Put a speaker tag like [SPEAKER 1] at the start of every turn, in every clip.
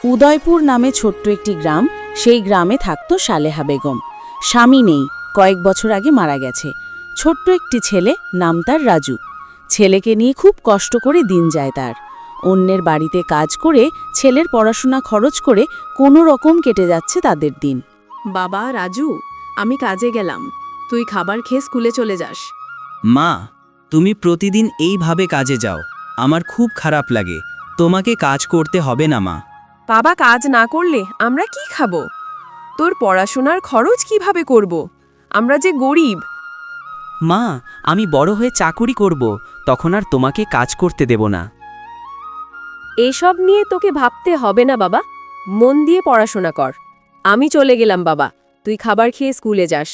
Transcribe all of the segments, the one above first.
[SPEAKER 1] উদয়পুর নামে ছোট্ট একটি গ্রাম। সেই গ্রামে থাকত সালেহা বেগম। স্বামী নেই, কয়েক বছর আগে মারা গেছে। ছোট্ট একটি ছেলে, নাম তার রাজু। ছেলেকে নিয়ে খুব কষ্ট করে দিন যায় তার। অন্যের বাড়িতে কাজ করে ছেলের পড়াশোনা খরচ করে কোনো রকম কেটে যাচ্ছে তাদের দিন।
[SPEAKER 2] বাবা রাজু, আমি কাজে গেলাম, তুই খাবার খেয়ে স্কুলে চলে যাস।
[SPEAKER 3] মা, তুমি প্রতিদিন এইভাবে কাজে যাও, আমার খুব খারাপ লাগে। তোমাকে কাজ করতে হবে না মা।
[SPEAKER 2] বাবা, কাজ না করলে আমরা কি খাবো? তোর পড়াশোনার খরচ কিভাবে করব? আমরা যে গরিব।
[SPEAKER 3] মা, আমি বড় হয়ে চাকুরি করব, তখন আর তোমাকে কাজ করতে দেব না।
[SPEAKER 2] এসব নিয়ে তোকে ভাবতে হবে না বাবা, মন দিয়ে পড়াশোনা কর। আমি চলে গেলাম বাবা, তুই খাবার খেয়ে স্কুলে যাস।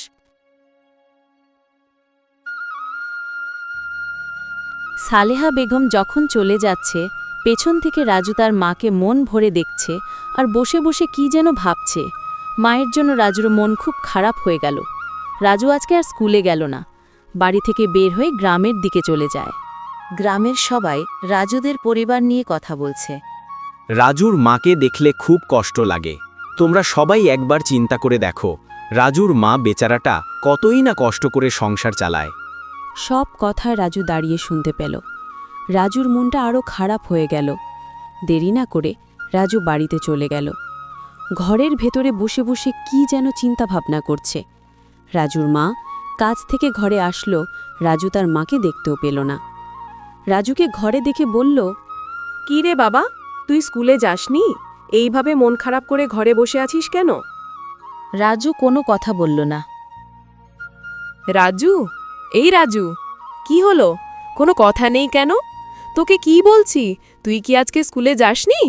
[SPEAKER 1] সালেহা বেগম যখন চলে যাচ্ছে, পেছন থেকে রাজু তার মাকে মন ভরে দেখছে আর বসে বসে কি যেন ভাবছে। মায়ের জন্য রাজুর মন খুব খারাপ হয়ে গেল। রাজু আজকে আর স্কুলে গেল না, বাড়ি থেকে বের হয়ে গ্রামের দিকে চলে যায়। গ্রামের সবাই রাজুদের পরিবার নিয়ে কথা বলছে।
[SPEAKER 4] রাজুর মাকে দেখলে খুব কষ্ট লাগে। তোমরা সবাই একবার চিন্তা করে দেখো, রাজুর মা বেচারাটা কতই না কষ্ট করে সংসার চালায়।
[SPEAKER 1] সব কথা রাজু দাঁড়িয়ে শুনতে পেল। রাজুর মনটা আরও খারাপ হয়ে গেল। দেরি না করে রাজু বাড়িতে চলে গেল। ঘরের ভেতরে বসে বসে কি যেন চিন্তা ভাবনা করছে। রাজুর মা কাজ থেকে ঘরে আসলো, রাজু তার মাকে দেখতেও পেল না। রাজুকে ঘরে দেখে বলল,
[SPEAKER 2] কি রে বাবা, তুই স্কুলে যাসনি? এইভাবে মন খারাপ করে ঘরে বসে আছিস কেন?
[SPEAKER 1] রাজু কোনো কথা বলল না।
[SPEAKER 2] রাজু, এই রাজু, কি হলো? কোনো কথা নেই কেন? তোকে কি বলছি, তুই কি আজকে স্কুলে যাসনি?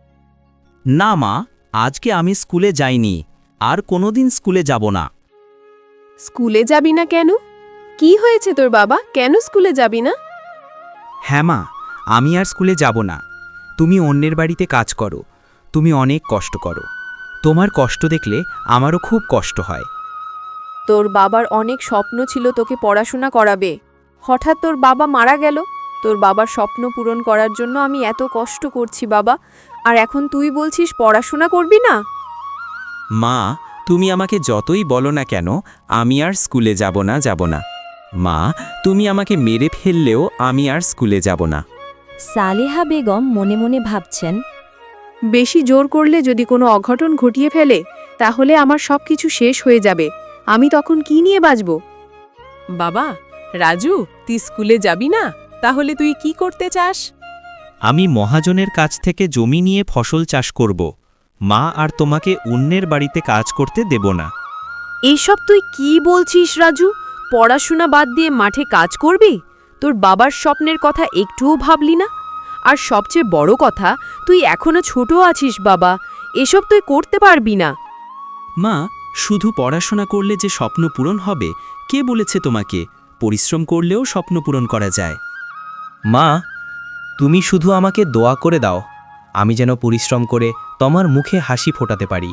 [SPEAKER 3] না মা, আজকে আমি স্কুলে যাইনি, আর কোনোদিন স্কুলে যাব না।
[SPEAKER 2] স্কুলে যাবি না কেন? কি হয়েছে তোর বাবা, কেন স্কুলে যাবি না?
[SPEAKER 3] হ্যাঁ মা, আমি আর স্কুলে যাব না। তুমি অন্যের বাড়িতে কাজ করো, তুমি অনেক কষ্ট করো। তোমার কষ্ট দেখলে আমারও খুব কষ্ট হয়।
[SPEAKER 2] তোর বাবার অনেক স্বপ্ন ছিল তোকে পড়াশোনা করাবে, হঠাৎ তোর বাবা মারা গেল। তোর বাবার স্বপ্ন পূরণ করার জন্য আমি এত কষ্ট করছি বাবা, আর এখন তুই বলছিস পড়াশোনা করবি না?
[SPEAKER 3] মা, তুমি আমাকে যতই বলো না কেন, আমি আর স্কুলে যাব না। মা, তুমি আমাকে মেরে ফেললেও আমি আর স্কুলে যাব না।
[SPEAKER 1] সালেহা বেগম মনে মনে ভাবছেন,
[SPEAKER 2] বেশি জোর করলে যদি কোনো অঘটন ঘটিয়ে ফেলে, তাহলে আমার সব কিছু শেষ হয়ে যাবে। আমি তখন কি নিয়ে বাঁচব? বাবা, রাজু, তুই স্কুলে যাবি না? তাহলে তুই কি করতে চাস?
[SPEAKER 3] আমি মহাজনের কাছ থেকে জমি নিয়ে ফসল চাষ করব। মা, আর তোমাকে অন্যের বাড়িতে কাজ করতে দেব না।
[SPEAKER 2] এইসব তুই কি বলছিস রাজু? পড়াশোনা বাদ দিয়ে মাঠে কাজ করবি? তোর বাবার স্বপ্নের কথা একটুও ভাবলি না? আর সবচেয়ে বড় কথা, তুই এখনো ছোট আছিস বাবা, এসব তুই করতে পারবি না।
[SPEAKER 3] মা, শুধু পড়াশোনা করলে যে স্বপ্ন পূরণ হবে, কে বলেছে তোমাকে? পরিশ্রম করলেও স্বপ্ন পূরণ করা যায়। মা, তুমি শুধু আমাকে দোয়া করে দাও, আমি যেন পরিশ্রম করে তোমার মুখে হাসি ফোটাতে পারি।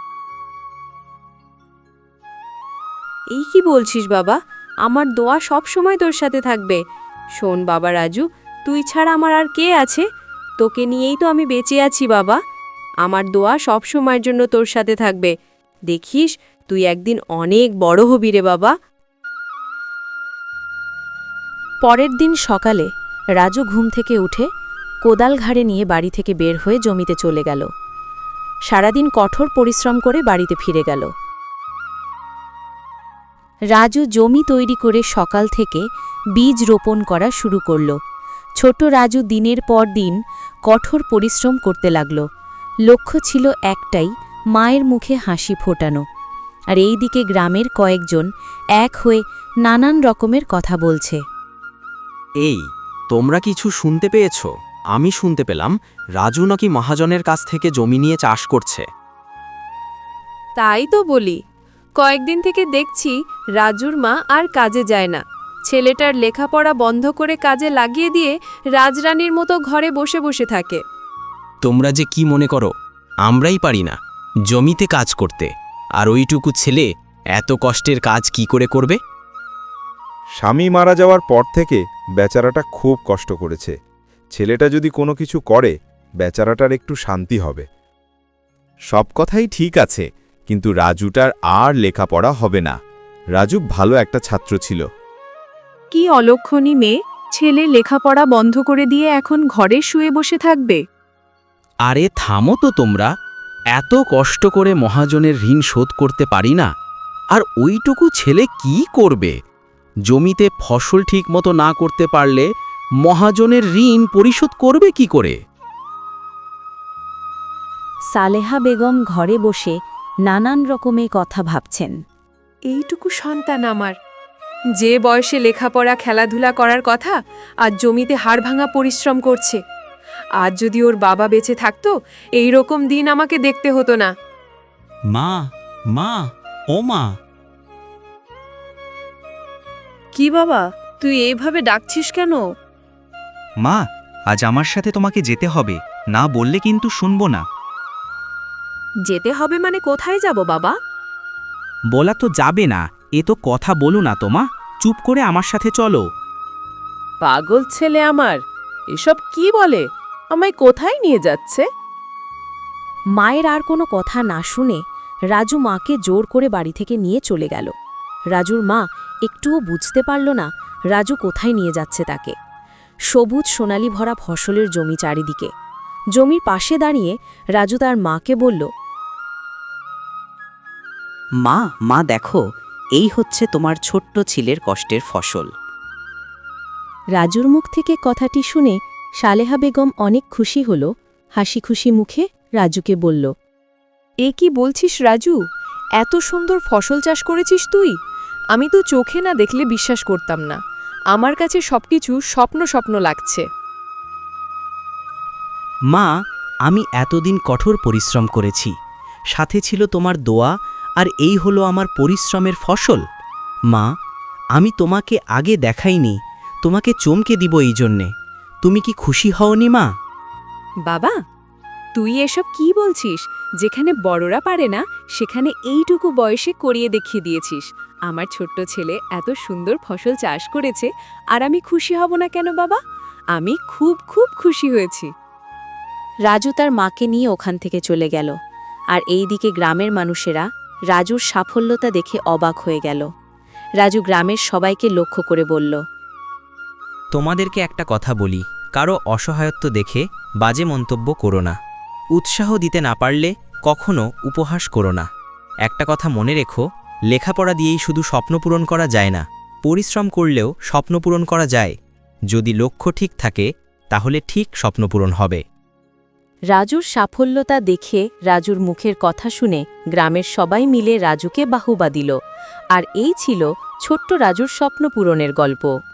[SPEAKER 2] এই কি বলছিস বাবা? আমার দোয়া সব সময় তোর সাথে থাকবে। শোন বাবা রাজু, তুই ছাড়া আমার আর কে আছে? তোকে নিয়েই তো আমি বেঁচে আছি বাবা। আমার দোয়া সব সময়ের জন্য তোর সাথে থাকবে। দেখিস, তুই একদিন অনেক বড় হবি রে বাবা।
[SPEAKER 1] পরের দিন সকালে রাজু ঘুম থেকে উঠে কোদাল ঘাড়ে নিয়ে বাড়ি থেকে বের হয়ে জমিতে চলে গেল। সারাদিন কঠোর পরিশ্রম করে বাড়িতে ফিরে গেল। রাজু জমি তৈরি করে সকাল থেকে বীজ রোপণ করা শুরু করল। ছোট রাজু দিনের পর দিন কঠোর পরিশ্রম করতে লাগল। লক্ষ্য ছিল একটাই, মায়ের মুখে হাসি ফোটানো। আর এই দিকে গ্রামের কয়েকজন এক হয়ে নানান রকমের কথা বলছে।
[SPEAKER 4] এই, তোমরা কিছু শুনতে পেয়েছ? আমি শুনতে পেলাম রাজু নাকি মহাজনের কাছ থেকে জমি নিয়ে চাষ করছে।
[SPEAKER 2] তাই তো বলি, কয়েকদিন থেকে দেখছি রাজুর মা আর কাজে যায় না। ছেলেটার লেখাপড়া বন্ধ করে কাজে লাগিয়ে দিয়ে রাজরানীর মতো ঘরে বসে বসে থাকে।
[SPEAKER 4] তোমরা যে কি মনে করো আমরাই পারি না জমিতে কাজ করতে? আর ওইটুকু ছেলে এত কষ্টের কাজ কি করে করবে?
[SPEAKER 5] স্বামী মারা যাওয়ার পর থেকে বেচারাটা খুব কষ্ট করেছে। ছেলেটা যদি কোনো কিছু করে, বেচারাটার একটু শান্তি হবে। সব কথাই ঠিক আছে, কিন্তু রাজুটার আর লেখাপড়া হবে না। রাজু ভালো একটা ছাত্র ছিল।
[SPEAKER 2] কি অলক্ষণী মেয়ে, ছেলে লেখাপড়া বন্ধ করে দিয়ে এখন ঘরে শুয়ে বসে থাকবে।
[SPEAKER 3] আরে থামো তো তোমরা, এত কষ্ট করে মহাজনের ঋণ শোধ করতে পারি না, আর ওইটুকু ছেলে কি করবে? জমিতে ফসল ঠিকমতো না করতে পারলে মহাজনের ঋণ পরিশোধ করবে কি করে?
[SPEAKER 1] সালেহা বেগম ঘরে বসে নানান রকমের কথা ভাবছেন।
[SPEAKER 2] এইটুকু সন্তান আমার, যে বয়সে লেখাপড়া খেলাধুলা করার কথা, আজ জমিতে হাড়ভাঙা পরিশ্রম করছে। আজ যদি ওর বাবা বেঁচে থাকতো, এই রকম দিন আমাকে দেখতে হতো না।
[SPEAKER 3] মা, মা, ও মা।
[SPEAKER 2] কি বাবা, তুই এইভাবে ডাকছিস কেন?
[SPEAKER 3] মা, আজ আমার সাথে তোমাকে যেতে হবে, না বললে কিন্তু শুনবো না।
[SPEAKER 2] যেতে হবে মানে কোথায় যাব বাবা?
[SPEAKER 3] বলা তো যাবে না, এ তো কথা বলো না তোমা, চুপ করে আমার সাথে চলো।
[SPEAKER 6] পাগল ছেলে আমার, এসব কি বলে? আমায় কোথায় নিয়ে যাচ্ছে?
[SPEAKER 1] মায়ের আর কোনো কথা না শুনে রাজু মাকে জোর করে বাড়ি থেকে নিয়ে চলে গেল। রাজুর মা একটুও বুঝতে পারল না রাজু কোথায় নিয়ে যাচ্ছে তাকে। সবুজ সোনালি ভরা ফসলের জমি চারিদিকে। জমির পাশে দাঁড়িয়ে রাজু তার মাকে বলল,
[SPEAKER 7] মা, মা দেখো, এই হচ্ছে তোমার ছোট্ট ছেলের কষ্টের ফসল।
[SPEAKER 1] রাজুর মুখ থেকে কথাটি শুনে সালেহা বেগম অনেক খুশি হল। হাসি খুশি মুখে রাজুকে বলল,
[SPEAKER 2] এ কি বলছিস রাজু? এত সুন্দর ফসল চাষ করেছিস তুই? আমি তো চোখে না দেখলে বিশ্বাস করতাম না। আমার কাছে সবকিছু স্বপ্ন স্বপ্ন লাগছে।
[SPEAKER 7] মা, আমি এতদিন কঠোর পরিশ্রম করেছি, সাথে ছিল তোমার দোয়া, আর এই হলো আমার পরিশ্রমের ফসল। মা, আমি তোমাকে আগে দেখাইনি, তোমাকে চমকে দিব এই জন্যে। তুমি কি খুশি হওনি মা?
[SPEAKER 2] বাবা, তুই এসব কি বলছিস? যেখানে বড়রা পারে না, সেখানে এইটুকু বয়সে করিয়ে দেখিয়ে দিয়েছিস। আমার ছোট্ট ছেলে এত সুন্দর ফসল চাষ করেছে, আর আমি খুশি হব না কেন বাবা? আমি খুব খুব খুশি হয়েছি।
[SPEAKER 1] রাজু তার মাকে নিয়ে ওখান থেকে চলে গেল। আর এইদিকে গ্রামের মানুষেরা রাজুর সাফল্যতা দেখে অবাক হয়ে গেল। রাজু গ্রামের সবাইকে লক্ষ্য করে বলল,
[SPEAKER 3] তোমাদেরকে একটা কথা বলি, কারো অসহায়ত্ব দেখে বাজে মন্তব্য করো না। উৎসাহ দিতে না পারলে কখনো উপহাস করো না। একটা কথা মনে রেখো, লেখাপড়া দিয়েই শুধু স্বপ্ন পূরণ করা যায় না, পরিশ্রম করলেও স্বপ্ন পূরণ করা যায়। যদি লক্ষ্য ঠিক থাকে তাহলে ঠিক স্বপ্ন পূরণ হবে।
[SPEAKER 1] রাজুর সাফল্যতা দেখে রাজুর মুখের কথা শুনে গ্রামের সবাই মিলে রাজুকে বাহুবা দিল। আর এই ছিল ছোট্ট রাজুর স্বপ্ন পূরণের গল্প।